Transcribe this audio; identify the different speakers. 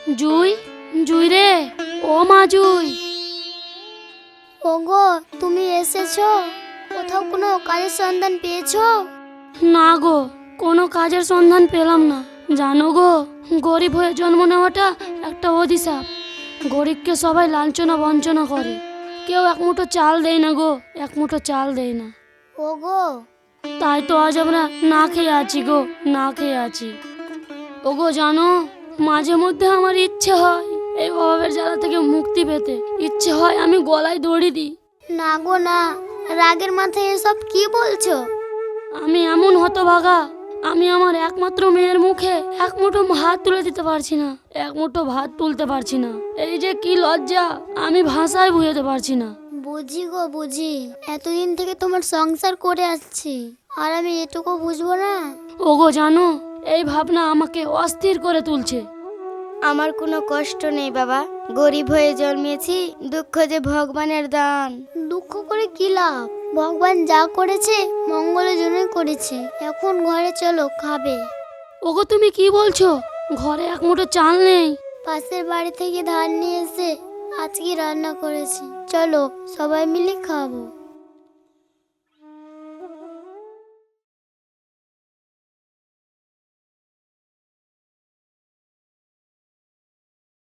Speaker 1: জুই, জুই রে, ও মা জুই।
Speaker 2: ওগো, তুমি এসেছো? কোথাও কোনো কাজের সন্ধান পেয়েছো?
Speaker 1: না গো, কোনো কাজের সন্ধান পেলাম না। জানো গো, গরিব হয়ে জন্ম নেওয়াটা একটা অভিশাপ। গরিবকে সবাই লাঞ্ছনা বঞ্চনা করে, কেউ এক মুঠো চাল দেয় না গো, এক মুঠো চাল দেয় না।
Speaker 2: ওগো,
Speaker 1: তাই তো আজ আমরা না খেয়ে আছি গো, না খেয়ে আছি। ওগো জানো, মাঝে মধ্যে আমার ইচ্ছে হয় এই অভাবের জ্বালা থেকে মুক্তি পেতে। ইচ্ছে হয় আমি গলায় দড়ি দিই।
Speaker 2: না গো না, রাগের মাথায় এসব কি বলছো?
Speaker 1: আমি এমন হতভাগা, আমি আমার একমাত্র মেয়ের মুখে এক মুঠো ভাত তুলে দিতে পারছি না, এক মুঠো ভাত তুলতে পারছি না। এই যে কি লজ্জা, আমি ভাষায় বুঝাতে পারছি না।
Speaker 2: বুঝি গো বুঝি, এতদিন থেকে তোমার সংসার করে আসছি, আর আমি এটুকু বুঝবো না?
Speaker 1: ওগো জানো, এই ভাবনা আমাকে অস্থির করে তুলছে।
Speaker 2: আমার কোনো কষ্ট নেই বাবা, গরিব হয়ে জন্মেছি, দুঃখ যে ভগবানের দান। দুঃখ করে কি লাভ? ভগবান যা করেছে মঙ্গলের জন্যই করেছে। এখন ঘরে চলো, খাবে।
Speaker 1: ওগো তুমি কি বলছো? ঘরে এক মুঠো চাল নেই?
Speaker 2: পাশের বাড়ি থেকে ধান নিয়ে এসে আজকে রান্না করেছি, চলো সবাই মিলে খাবো।